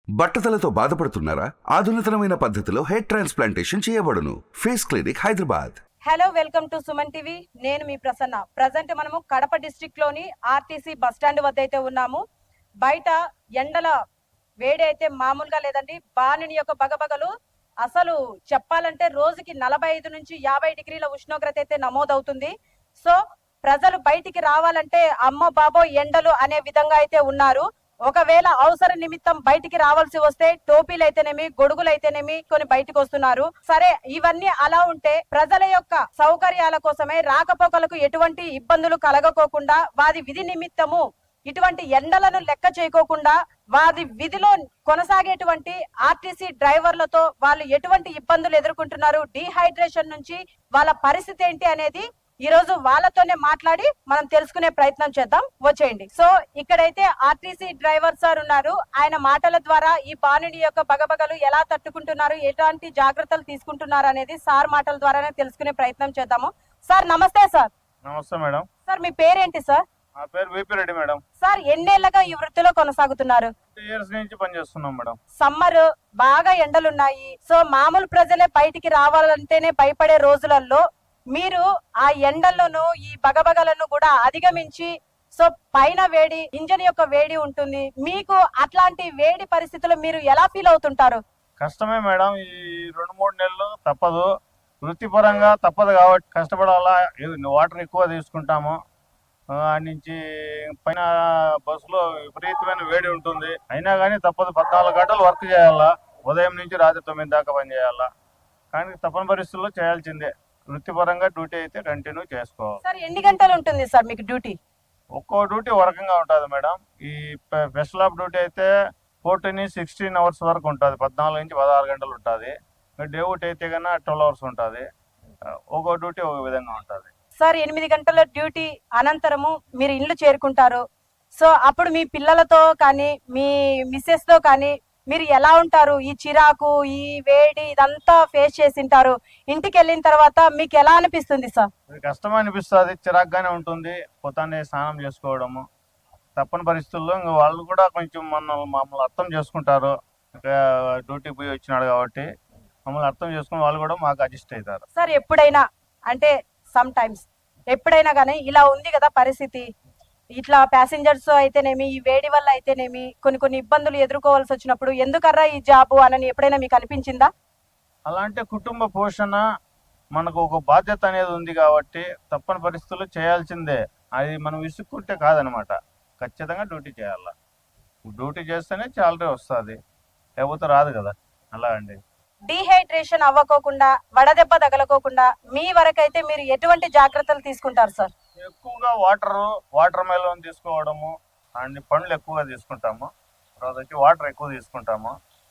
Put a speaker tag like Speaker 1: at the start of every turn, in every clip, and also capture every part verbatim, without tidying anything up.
Speaker 1: బట్టతలతో బాధపడుతున్నారా? ఆధునితనమైన పద్ధతిలో హెయిర్ ట్రాన్స్ప్లాంటేషన్ చేయబడును. Face clinic, Hyderabad.
Speaker 2: Hello, welcome to Suman TV. నేను మీ ప్రసన్న. ప్రజెంట్ మనము కడప డిస్ట్రిక్ట్ లోని ఆర్టీసీ బస్ స్టాండ్ వద్ద అయితే ఉన్నాము. బయట ఎండల వేడి అయితే మామూలుగా లేదండి. బాణుని యొక్క బగబగలు అసలు చెప్పాలంటే రోజుకి నలభై ఐదు నుంచి యాభై డిగ్రీల ఉష్ణోగ్రత అయితే నమోదవుతుంది. సో ప్రజలు బయటికి రావాలంటే అమ్మో బాబో ఎండలు అనే విధంగా అయితే ఉన్నారు. ఒకవేళ అవసర నిమిత్తం బయటికి రావాల్సి వస్తే టోపీలు అయితేనేమి, గొడుగులు అయితేనేమి కొన్ని బయటకు వస్తున్నారు. సరే, ఇవన్నీ అలా ఉంటే ప్రజల యొక్క సౌకర్యాల కోసమే రాకపోకలకు ఎటువంటి ఇబ్బందులు కలగకోకుండా వారి విధి నిమిత్తము ఇటువంటి ఎండలను లెక్క చేయకోకుండా వారి విధిలో కొనసాగేటువంటి ఆర్టీసీ డ్రైవర్లతో వాళ్ళు ఎటువంటి ఇబ్బందులు ఎదుర్కొంటున్నారు, డీహైడ్రేషన్ నుంచి వాళ్ళ పరిస్థితి ఏంటి అనేది ఈ రోజు వాళ్ళతోనే మాట్లాడి మనం తెలుసుకునే ప్రయత్నం చేద్దాం. వచ్చేయండి. సో ఇక్కడైతే ఆర్టీసీ డ్రైవర్ సార్ ఉన్నారు. ఆయన మాటల ద్వారా ఈ బాణుడి యొక్క బగబగలు ఎలా తట్టుకుంటున్నారు, ఎలాంటి జాగ్రత్తలు తీసుకుంటున్నారు అనేది సార్ మాటల ద్వారానే తెలుసుకునే ప్రయత్నం చేద్దాము. సార్ నమస్తే. సార్
Speaker 3: నమస్తే మేడం.
Speaker 2: సార్ మీ పేరేంటి సార్?
Speaker 3: నా పేరు విపి రెడ్డి మేడం.
Speaker 2: సార్ ఎన్నేళ్లుగా ఈ వృత్తిలో కొనసాగుతున్నారు?
Speaker 3: టూ ఇయర్స్ నుంచి పనిచేస్తున్నాం మేడం.
Speaker 2: సమ్మర్ బాగా ఎండలున్నాయి. సో మామూలు ప్రజలే బయటికి రావాలంటేనే భయపడే రోజులలో మీరు ఆ ఎండలను ఈ బగబగలను కూడా అధిగమించి, సో పైన వేడి, ఇంజన్ యొక్క వేడి ఉంటుంది. మీకు అట్లాంటి వేడి పరిస్థితుల్లో మీరు ఎలా ఫీల్ అవుతుంటారు?
Speaker 3: కష్టమే మేడం. ఈ రెండు మూడు నెలలు తప్పదు, వృత్తిపరంగా తప్పదు కాబట్టి కష్టపడాలా. వాటర్ ఎక్కువ తీసుకుంటాము. ఆడి నుంచి పైన బస్సులో విపరీతమైన వేడి ఉంటుంది. అయినా కానీ తప్పదు, పద్నాలుగు గంటలు వర్క్ చేయాలా. ఉదయం నుంచి రాత్రి తొమ్మిది దాకా పని చేయాలా. కానీ తప్పని పరిస్థితుల్లో చేయాల్సిందే. వృత్తిపరంగా డ్యూటీ అయితే కంటిన్యూ చేసుకోవాలి.
Speaker 2: సార్ ఎన్ని గంటలు ఉంటుంది సార్ మీకు డ్యూటీ?
Speaker 3: ఒక్కో డ్యూటీ ఒక రకంగా ఉంటుంది మేడం. ఈ స్పెషల్ ఆఫ్ డ్యూటీ అయితే ఫోర్టీన్ సిక్స్టీన్ అవర్స్ వరకు ఉంటుంది. పద్నాలుగు నుంచి పదహారు గంటలు ఉంటుంది. డే డ్యూటీ అయితే కన్నా ట్వెల్వ్ అవర్స్ ఉంటుంది. ఒక్కో డ్యూటీ ఒక విధంగా ఉంటుంది.
Speaker 2: సార్ ఎనిమిది గంటల డ్యూటీ అనంతరము మీరు ఇల్లు చేరుకుంటారు. సో అప్పుడు మీ పిల్లలతో కానీ మీ మిస్సెస్ తో కానీ మీరు ఎలా ఉంటారు? ఈ చిరాకు, ఈ వేడి ఇదంతా ఫేస్ చేసింటారు. ఇంటికి వెళ్ళిన తర్వాత మీకు ఎలా అనిపిస్తుంది సార్?
Speaker 3: కష్టం అనిపిస్తుంది, చిరాకుగానే ఉంటుంది. పొద్దున్నే స్నానం చేసుకోవడము తప్పని పరిస్థితుల్లో ఇంకా వాళ్ళు కూడా కొంచెం మన మమ్మల్ని అర్థం చేసుకుంటారు. డ్యూటీకి పోయి వచ్చినాడు కాబట్టి మమ్మల్ని అర్థం చేసుకుని వాళ్ళు కూడా మాకు అడ్జస్ట్ అవుతారు.
Speaker 2: సార్ ఎప్పుడైనా అంటే సమ్ టైమ్స్ ఎప్పుడైనా కానీ ఇలా ఉంది కదా పరిస్థితి, ఇట్లా ప్యాసింజర్స్ అయితేనేమి, ఈ వేడి వల్ల అయితేనేమి కొన్ని కొన్ని ఇబ్బందులు ఎదుర్కోవాల్సి వచ్చినప్పుడు ఎందుకర్రా ఈ జాబు అని ఎప్పుడైనా మీకు అనిపించిందా?
Speaker 3: అలాంటి కుటుంబ పోషణ మనకు ఒక బాధ్యత అనేది ఉంది కాబట్టి తప్పని పరిస్థితుల్లో చేయాల్సిందే. అది మనం విసుక్కుంటే కాదనమాట. ఖచ్చితంగా డ్యూటీ చేయాల. డ్యూటీ చేస్తేనే శాలరీ వస్తుంది, లేకపోతే రాదు కదా. అలా అండి.
Speaker 2: డీహైడ్రేషన్ అవ్వకోకుండా, వడదెబ్బ తగలకోకుండా మీ వరకైతే మీరు ఎటువంటి జాగ్రత్తలు తీసుకుంటారు సార్?
Speaker 3: ఎక్కువగా వాటర్ వాటర్ మెలన్ తీసుకోవడము, అన్ని పండ్లు ఎక్కువగా తీసుకుంటాము. తర్వాత వచ్చి వాటర్ ఎక్కువ తీసుకుంటాము.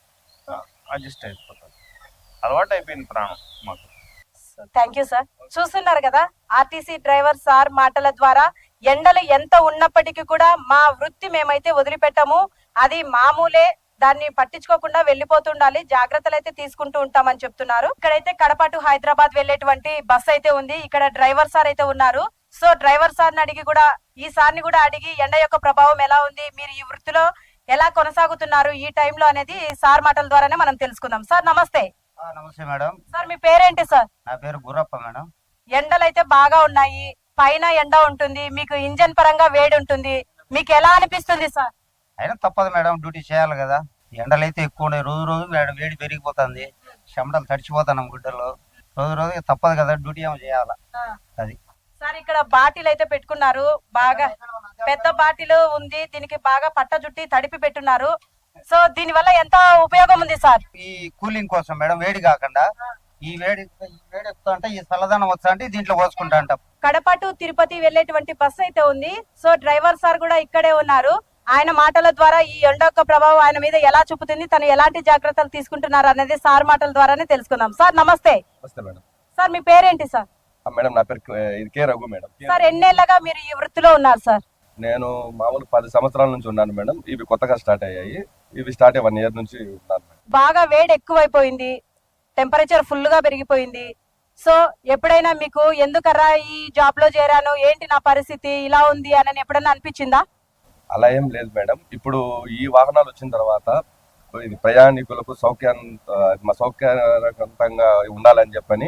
Speaker 3: అడ్జస్ట్ అయిపోతుంది. అలవాటు అయిపోయింది ప్రాణం మాకు.
Speaker 2: Thank you sir. చూస్తున్నారు కదా ఆర్టీసీ డ్రైవర్ సార్ మాటల ద్వారా ఎండలు ఎంత ఉన్నప్పటికీ కూడా మా వృత్తి మేమైతే వదిలిపెట్టాము, అది మామూలే, దాన్ని పట్టించుకోకుండా వెళ్ళిపోతుండాలి, జాగ్రత్తలు అయితే తీసుకుంటూ ఉంటామని చెప్తున్నారు. ఇక్కడైతే కడప టు హైదరాబాద్ వెళ్ళేటువంటి బస్ అయితే ఉంది. ఇక్కడ డ్రైవర్ సార్ అయితే ఉన్నారు. సో డ్రైవర్ సార్ ని అడిగి కూడా ఈ సార్ ని కూడా అడిగి ఎండ యొక్క ప్రభావం ఎలా ఉంది, మీరు ఈ వృత్తిలో ఎలా కొనసాగుతున్నారు ఈ టైంలో అనేది సార్ మాటల ద్వారానే మనం తెలుసుకుందాం. సార్ నమస్తే.
Speaker 4: నమస్తే మేడం.
Speaker 2: సార్ మీ పేరేంటి సార్?
Speaker 4: నా పేరు గుర్రప్ప మేడం.
Speaker 2: ఎండలు అయితే బాగా ఉన్నాయి, పైన ఎండ ఉంటుంది, మీకు ఇంజన్ పరంగా వేడి ఉంటుంది, మీకు ఎలా అనిపిస్తుంది సార్?
Speaker 4: అయినా తప్పదు మేడం, డ్యూటీ చేయాలి కదా. ఎండలు అయితే ఎక్కువ ఉన్నాయి, రోజు రోజు వేడి పెరిగిపోతుంది, చెమటలు తడిచిపోతున్నాం గుడ్డలో. రోజు రోజు తప్పదు కదా, డ్యూటీ ఏమో చేయాలా. అది
Speaker 2: సార్ ఇక్కడ బాటిల్ అయితే పెట్టుకున్నారు, బాగా పెద్ద బాటిల్ ఉంది, దీనికి బాగా పట్ట జుట్టి తడిపి పెట్టున్నారు. సో దీని వల్ల ఎంత ఉపయోగం ఉంది సార్?
Speaker 4: ఈ కూలింగ్ కోసం మేడం, వేడి కాకుండా ఈ వేడి ఈ వేడి ఎక్కుతా అంటే ఈ చల్లదనం వస్తా అంటే దీంట్లో పోసుకుంటా అంటాం.
Speaker 2: కడప టు తిరుపతి వెళ్లేటువంటి బస్ అయితే ఉంది. సో డ్రైవర్ సార్ కూడా ఇక్కడే ఉన్నారు. ఆయన మాటల ద్వారా ఈ ఎండ యొక్క ప్రభావం ఆయన మీద ఎలా చూపుతుంది, తను ఎలాంటి జాగ్రత్తలు తీసుకుంటున్నారు అనేది సార్ మాటల ద్వారానే తెలుసుకుందాం. సార్ నమస్తే. సార్ మీ పేరేంటి సార్?
Speaker 5: మేడం నా పేరు కే రఘు మేడం.
Speaker 2: సార్ ఎన్నేళ్లుగా మీరు ఈ వృత్తిలో ఉన్నారు సార్?
Speaker 5: నేను మామూలు పది సంవత్సరాల నుంచి ఉన్నాను మేడం. ఇవి కొత్తగా స్టార్ట్ అయ్యాయి. ఇవి స్టార్ట్ అయ్యి వన్ ఇయర్ నుంచి ఉన్నాను మేడం.
Speaker 2: బాగా వేడి ఎక్కువైపోయింది, టెంపరేచర్ ఫుల్ గా పెరిగిపోయింది. సో ఎప్పుడైనా మీకు ఎందుకరా ఈ జాబ్ లో చేరాను, ఏంటి నా పరిస్థితి ఇలా ఉంది అని ఎప్పుడైనా అనిపించిందా?
Speaker 5: అలా ఏం లేదు మేడం. ఇప్పుడు ఈ వాహనాలు వచ్చిన తర్వాత ఇది ప్రయాణికులకు సౌక్యాంత సౌకర్యవంతంగా ఉండాలని చెప్పని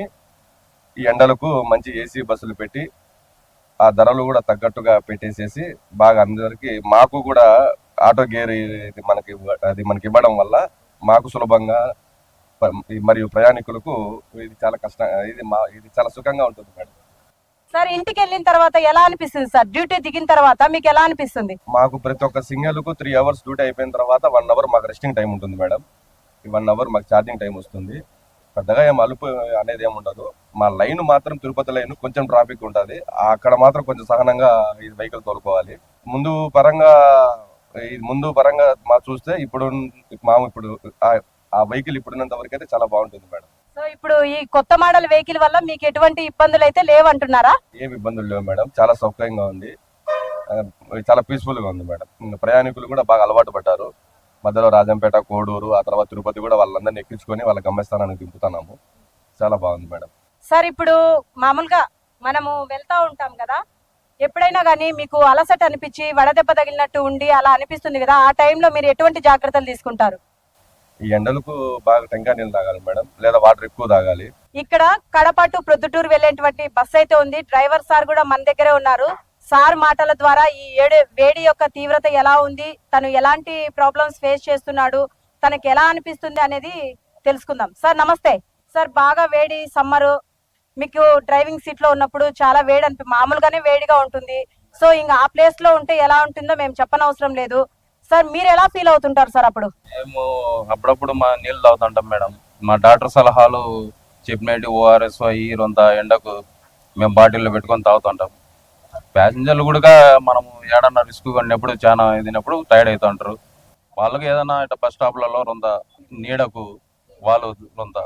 Speaker 5: ఈ ఎండలకు మంచి ఏసీ బస్సులు పెట్టి ఆ ధరలు కూడా తగ్గట్టుగా పెట్టేసేసి బాగా అందరికి మాకు కూడా ఆటో గేర్ ఇది మనకి ఇవ్వ- అది మనకి ఇవ్వడం వల్ల మాకు సులభంగా ప- మరియు ప్రయాణికులకు ఇది చాలా కష్టం ఇది మా ఇది చాలా సుఖంగా ఉంటుంది మేడం.
Speaker 2: సార్ ఇంటికి వెళ్ళిన తర్వాత ఎలా అనిపిస్తుంది సార్? డ్యూటీ దిగిన తర్వాత మీకు ఎలా అనిపిస్తుంది?
Speaker 5: మాకు ప్రతి ఒక్క సింగల్ కు త్రీ అవర్స్ డ్యూటీ అయిపోయిన తర్వాత వన్ అవర్ మాకు రెస్టింగ్ టైం ఉంటుంది మేడం. ఈ వన్ అవర్ మాకు ఛార్జింగ్ టైం వస్తుంది. పెద్దగా ఏం అలుపు అనేది ఏమి ఉండదు. మా లైన్ మాత్రం తిరుపతి లైన్ కొంచెం ట్రాఫిక్ ఉంటుంది. అక్కడ మాత్రం కొంచెం సహనంగా ఈ వెహికల్ తోలుకోవాలి. ముందు పరంగా ఈ ముందు పరంగా మా చూస్తే ఇప్పుడు మా ఇప్పుడు ఆ- ఆ వెహికల్ ఇప్పుడున్నంత వరకు అయితే చాలా బాగుంటుంది మేడం.
Speaker 2: సో ఇప్పుడు ఈ కొత్త మోడల్ వెహికల్ వల్ల మీకు ఎటువంటి ఇబ్బందులు అయితే లేవంటున్నారా?
Speaker 5: ఏమి ఇబ్బందులు లేవు మేడం. చాలా సౌకర్యంగా ఉంది. ఆ, చాలా పీస్ఫుల్ గా ఉంది మేడం. ఇంకా ప్రయాణికులు కూడా బాగా అలవాటు పడ్డారు. మధ్యలో రాజంపేట, కోడూరు, ఆ తర్వాత తిరుపతి కూడా వాళ్ళందరినీ ఎక్కించుకొని వాళ్ళ గమ్యస్థానానికి దింపుతున్నాము. చాలా బాగుంది మేడం.
Speaker 2: సార్ ఇప్పుడు మామూలుగా మనము వెళ్తా ఉంటాం కదా, ఎప్పుడైనా కానీ మీకు అలసట అనిపించి వడదెబ్బ తగిలినట్టు ఉండి అలా అనిపిస్తుంది కదా, ఆ టైంలో మీరు ఎటువంటి జాగ్రత్తలు తీసుకుంటారు?
Speaker 5: ఈ ఎండలకు బాగా టెంకాయ నీళ్ళు తాగాలి మేడం, లేదా వాటర్ ఎక్కువ తాగాలి.
Speaker 2: ఇక్కడ కడప టు ప్రొద్దుటూరు వెళ్ళేటువంటి బస్ అయితే ఉంది. డ్రైవర్ సార్ కూడా మన దగ్గరే ఉన్నారు. సార్ మాటల ద్వారా ఈ ఏడు వేడి యొక్క తీవ్రత ఎలా ఉంది, తను ఎలాంటి ప్రాబ్లమ్స్ ఫేస్ చేస్తున్నాడు, తనకి ఎలా అనిపిస్తుంది అనేది తెలుసుకుందాం. సార్ నమస్తే. సార్ బాగా వేడి సమ్మరు, మీకు డ్రైవింగ్ సీట్ లో ఉన్నప్పుడు చాలా వేడి అనిపి మామూలుగానే వేడిగా ఉంటుంది. సో ఇంకా ఆ ప్లేస్ లో ఉంటే ఎలా ఉంటుందో మేము చెప్పనవసరం లేదు. సార్ మీరు ఎలా ఫీల్ అవుతుంటారు సార్ అప్పుడు?
Speaker 6: మేము అప్పుడప్పుడు మా నీళ్ళు తాగుతుంటాం మేడం. మా డాక్టర్ సలహాలు చెప్పినట్టు ఓఆర్ఎస్ ఈ రొంత ఎండకు మేము బాటిల్లో పెట్టుకొని తాగుతుంటాం. ప్యాసింజర్లు కూడా మనము ఏడన్నా రిస్క్ కొన్నప్పుడు చాలా ఇదినప్పుడు టైర్డ్ అవుతుంటారు. వాళ్ళకి ఏదైనా ఇట్లా బస్ స్టాప్లలో రొంత నీడకు వాళ్ళు రొంత.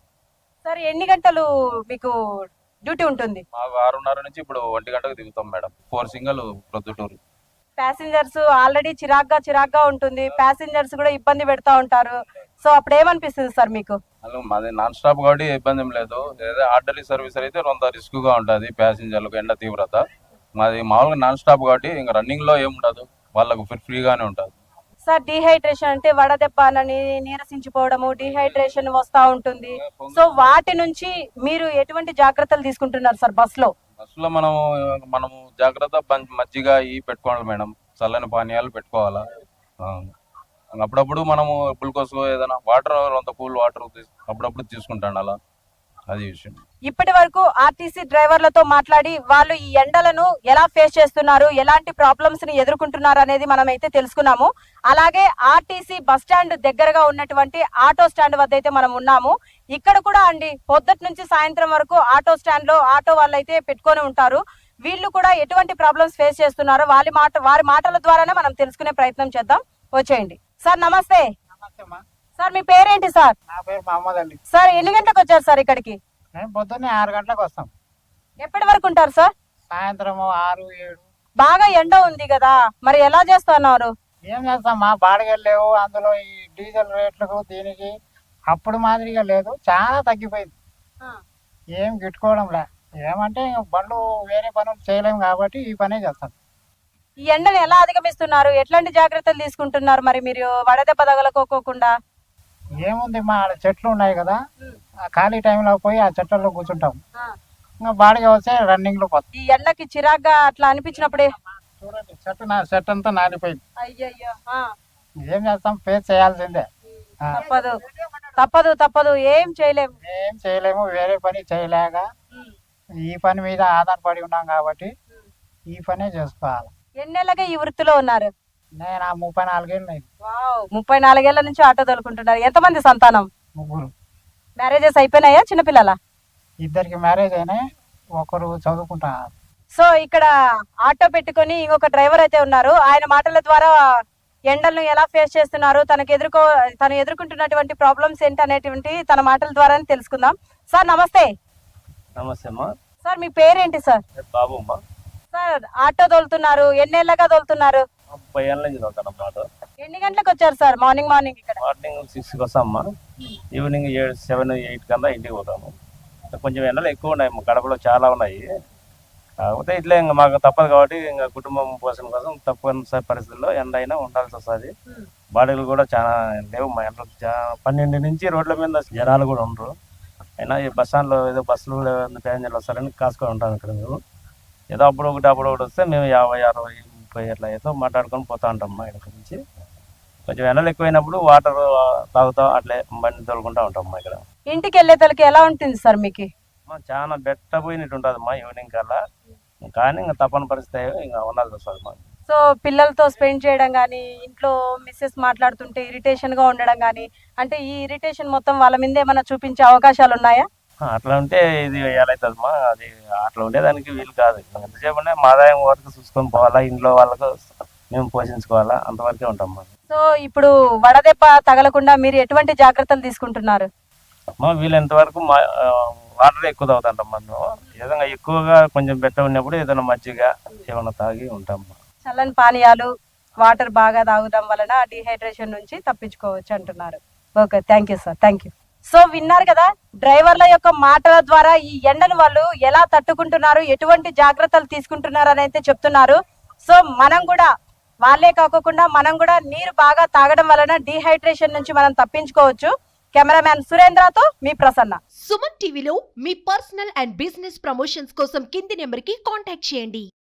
Speaker 2: సార్ ఎన్ని గంటలు మీకు డ్యూటీ ఉంటుంది?
Speaker 6: మాకు ఆరున్నర నుంచి ఇప్పుడు ఒంటి గంటకు దిగుతాం madam. Four single Proddatur.
Speaker 2: Passengers already చిరాగ్గా చిరాగ్గా ఉంటుంది, ప్యాసింజర్స్ కూడా ఇబ్బంది పెడతా ఉంటారు. సో అప్పుడు ఏమనిపిస్తుంది సార్ మీకు?
Speaker 6: అసలు మాది నాన్ స్టాప్ కాబట్టి ఇబ్బంది ఏం లేదు. ఏదో ఆర్డర్లీ సర్వీస్ అయితే రొంత రిస్క్ గా ఉంటుంది ప్యాసింజర్లకు ఎండ తీవ్రత. మాది మామూలుగా నాన్ స్టాప్ కాబట్టి ఇంకా రన్నింగ్ లో ఏముండదు, వాళ్ళకు ఫ్రీగానే ఉంటుంది.
Speaker 2: సార్ డిహైడ్రేషన్ అంటే వడదెబ్బ అని నీరసించిపోవడము, డిహైడ్రేషన్ వస్తా ఉంటుంది. సో వాటి నుంచి మీరు ఎటువంటి జాగ్రత్తలు తీసుకుంటున్నారు సార్ బస్ లో?
Speaker 6: బస్సులో మనము మనము జాగ్రత్త పం- మజ్జిగ ఈ పెట్టుకోవాలి మేడం, చల్లని పానీయాలు పెట్టుకోవాలా. ఆ, అప్పుడప్పుడు మనము గ్లూకోజ్ ఏదైనా వాటర్ అంత కూల్ వాటర్ అప్పుడప్పుడు తీసుకుంటాను అలా, అది విషయం.
Speaker 2: ఇప్పటి వరకు ఆర్టీసీ డ్రైవర్లతో మాట్లాడి వాళ్ళు ఈ ఎండలను ఎలా ఫేస్ చేస్తున్నారు, ఎలాంటి ప్రాబ్లమ్స్ ని ఎదుర్కొంటున్నారు అనేది మనం అయితే తెలుసుకున్నాము. అలాగే ఆర్టీసీ బస్ స్టాండ్ దగ్గరగా ఉన్నటువంటి ఆటో స్టాండ్ వద్ద అయితే మనం ఉన్నాము. ఇక్కడ కూడా అండి పొద్దుటి నుంచి సాయంత్రం వరకు ఆటో స్టాండ్ లో ఆటో వాళ్ళు అయితే పెట్టుకొని ఉంటారు. వీళ్ళు కూడా ఎటువంటి ప్రాబ్లమ్స్ ఫేస్ చేస్తున్నారో వాళ్ళ మాట వారి మాటల ద్వారానే మనం తెలుసుకునే ప్రయత్నం చేద్దాం. వచ్చేయండి. సార్ నమస్తే. సార్ మీ పేరేంటి సార్?
Speaker 7: నా పేరు మహమ్మద్ అలీ.
Speaker 2: సార్ ఎన్ని గంటలకు వచ్చారు సార్ ఇక్కడికి?
Speaker 7: మేము పొద్దున్నే ఆరు గంటలకు వస్తాం,
Speaker 2: ఎప్పటి వరకు ఉంటారు సార్?
Speaker 7: సాయంత్రం ఆరు ఏడు.
Speaker 2: బాగా ఎండ ఉంది కదా, మరి ఎలా చేస్తున్నారు?
Speaker 7: ఏం చేస్తాం, మా బాడిగలు లేవు, అందులో ఈ డీజిల్ రేట్లకు దీనికి అప్పుడు మాదిరిగా లేదు, చాలా తగ్గిపోయింది. ఏం గిట్టుకోవడం లే. ఏమంటే ఇంక బండ్లు వేరే పనులు చేయలేము కాబట్టి ఈ పనే చేస్తాం.
Speaker 2: ఈ ఎండను ఎలా అధిగమిస్తున్నారు, ఎట్లాంటి జాగ్రత్తలు తీసుకుంటున్నారు మరి మీరు వడదెబ్బ తగలకోకుండా?
Speaker 7: ఏముంది, మా ఆడ చెట్లు ఉన్నాయి కదా, ఆ ఖాళీ టైంలో పోయి ఆ చెట్లలో కూర్చుంటాం. ఇంకా బాడిగ వస్తే రన్నింగ్ లో పోతాం.
Speaker 2: ఈ ఎండకి చిరాగ్గా అట్లా అనిపించినప్పుడే
Speaker 7: చూడండి, చెట్టు నా చెట్టు అంతా నానిపోయింది.
Speaker 2: అయ్యయ్యో ఆ,
Speaker 7: ఏం చేస్తాం, ఫేస్ చేయాల్సిందే. ఆ,
Speaker 2: తప్పదు తప్పదు తప్పదు ఏం చేయలేము.
Speaker 7: ఏం చేయలేము, వేరే పని చేయలేక ఈ పని మీద ఆధారపడి ఉన్నాం కాబట్టి ఈ పనే చేసుకోవాలి.
Speaker 2: ఎన్నేళ్ళగా ఈ వృత్తిలో ఉన్నారు?
Speaker 7: నేను ఆ ముప్పై నాలుగేళ్ళు అయింది.
Speaker 2: వావ్, ముప్పై నాలుగేళ్ల నుంచి ఆటో తోలుకుంటున్నారు. ఎంతమంది సంతానం?
Speaker 7: ముగ్గురు.
Speaker 2: మ్యారేజెస్ అయిపోయినాయా? చిన్నపిల్లల?
Speaker 7: ఇద్దరికి మ్యారేజ్ అయినాయి, ఒకరు చదువుకుంటున్నారు.
Speaker 2: సో ఇక్కడ ఆటో పెట్టుకొని ఇంకొక డ్రైవర్ అయితే ఉన్నారు. ఆయన మాటల ద్వారా ఎండలను ఎలా ఫేస్ చేస్తున్నారు, తనకు ఎదుర్కో తను ఎదుర్కొంటున్నటువంటి ప్రాబ్లమ్స్ ఏంటి అనేటువంటి తన మాటల ద్వారానే తెలుసుకుందాం. సార్ నమస్తే.
Speaker 8: నమస్తే అమ్మా.
Speaker 2: సార్ మీ పేరేంటి సార్?
Speaker 8: బాబు అమ్మా.
Speaker 2: సార్ ఆటో తోలుతున్నారు, ఎన్నేళ్ళగా తోలుతున్నారు?
Speaker 8: ముప్పై ఏళ్ళ నుంచి చదువుతాను అన్నమాట.
Speaker 2: ఎన్ని గంటలకు వచ్చారు సార్ మార్నింగ్ మార్నింగ్ ఇక్కడ?
Speaker 8: మార్నింగ్ సిక్స్కి వస్తామమ్మా, ఈవినింగ్ ఏడు సెవెన్ ఎయిట్ కన్నా ఇంటికి పోతాము. కొంచెం ఎండలు ఎక్కువ ఉన్నాయి, మా కడపలో చాలా ఉన్నాయి. కాకపోతే ఇట్లా ఇంకా మాకు తప్పదు కాబట్టి ఇంకా కుటుంబం పోషణ కోసం తప్పనిసరి పరిస్థితుల్లో ఎండ అయినా ఉండాల్సి వస్తుంది. బాడీలు కూడా చాలా లేవు మా ఇంట్లో చా- పన్నెండు నుంచి రోడ్ల మీద జనాలు కూడా ఉండరు. అయినా ఈ బస్ స్టాండ్లో ఏదో బస్సులు ప్యాసింజర్లు వస్తారని కాసుకొని ఉంటాం ఇక్కడ మేము. ఏదో అప్పుడు ఒకటి అప్పుడు ఒకటి వస్తే మేము యాభై అరవై ముప్పై అట్లా ఏదో మాట్లాడుకొని పోతా ఉంటాం మా ఇక్కడ నుంచి. కొంచెం ఎండలు ఎక్కువైనప్పుడు వాటర్ తాగుతాం, అట్లే బండి తోలుకుంటా ఉంటాం మా ఇక్కడ.
Speaker 2: ఇంటికి వెళ్ళే తలకి ఎలా ఉంటుంది సార్ మీకు?
Speaker 8: మా చాలా బెట్ట పోయినట్టు ఉంటుంది మా ఈవినింగ్ కల్లా. కానీ ఇంకా తప్పని పరిస్థితి ఇంకా ఉండాల్సి వస్తుంది మా.
Speaker 2: సో పిల్లలతో స్పెండ్ చేయడం కానీ, ఇంట్లో మిస్సెస్ మాట్లాడుతుంటే ఇరిటేషన్ గా ఉండడం కానీ, అంటే ఈ ఇరిటేషన్ మొత్తం వాళ్ళ మీద ఏమైనా చూపించే అవకాశాలు ఉన్నాయా?
Speaker 8: అట్లా ఉంటే ఇది వేయాలవుతుంది మా. అది అట్లా ఉండేదానికి వీలు కాదు. ఎంతసేపు మా ఆదాయం వరకు చూసుకొని పోవాలా, ఇంట్లో వాళ్ళకు మేము పోషించుకోవాలా, అంతవరకే ఉంటాం మా.
Speaker 2: సో ఇప్పుడు వడదెబ్బ తగలకుండా మీరు ఎటువంటి జాగ్రత్తలు తీసుకుంటున్నారు?
Speaker 8: మా వీలైనంత వరకు మా వాటర్ ఎక్కువ తాగుతుంటాం మనం. ఏదైనా ఎక్కువగా కొంచెం బెట్ట ఉన్నప్పుడు ఏదైనా మజ్జిగ ఏమైనా తాగి ఉంటాం మా.
Speaker 2: చల్లని పానీయాలు, వాటర్ బాగా తాగడం వలన డిహైడ్రేషన్ నుంచి తప్పించుకోవచ్చు అంటున్నారు. Okay, thank you sir, thank you. So విన్నారు కదా డ్రైవర్ల యొక్క మాటల ద్వారా ఈ ఎండను వాళ్ళు ఎలా తట్టుకుంటున్నారు, ఎటువంటి జాగ్రత్తలు తీసుకుంటున్నారు అని అయితే చెప్తున్నారు. సో మనం కూడా వాళ్ళే కాకుండా మనం కూడా నీరు బాగా తాగడం వలన డిహైడ్రేషన్ నుంచి మనం తప్పించుకోవచ్చు. కెమెరామ్యాన్ సురేంద్రతో మీ ప్రసన్న.
Speaker 9: సుమన్ టీవీలో మీ పర్సనల్ అండ్ బిజినెస్ ప్రమోషన్స్ కోసం కింది నెంబర్ కి కాంటాక్ట్ చేయండి.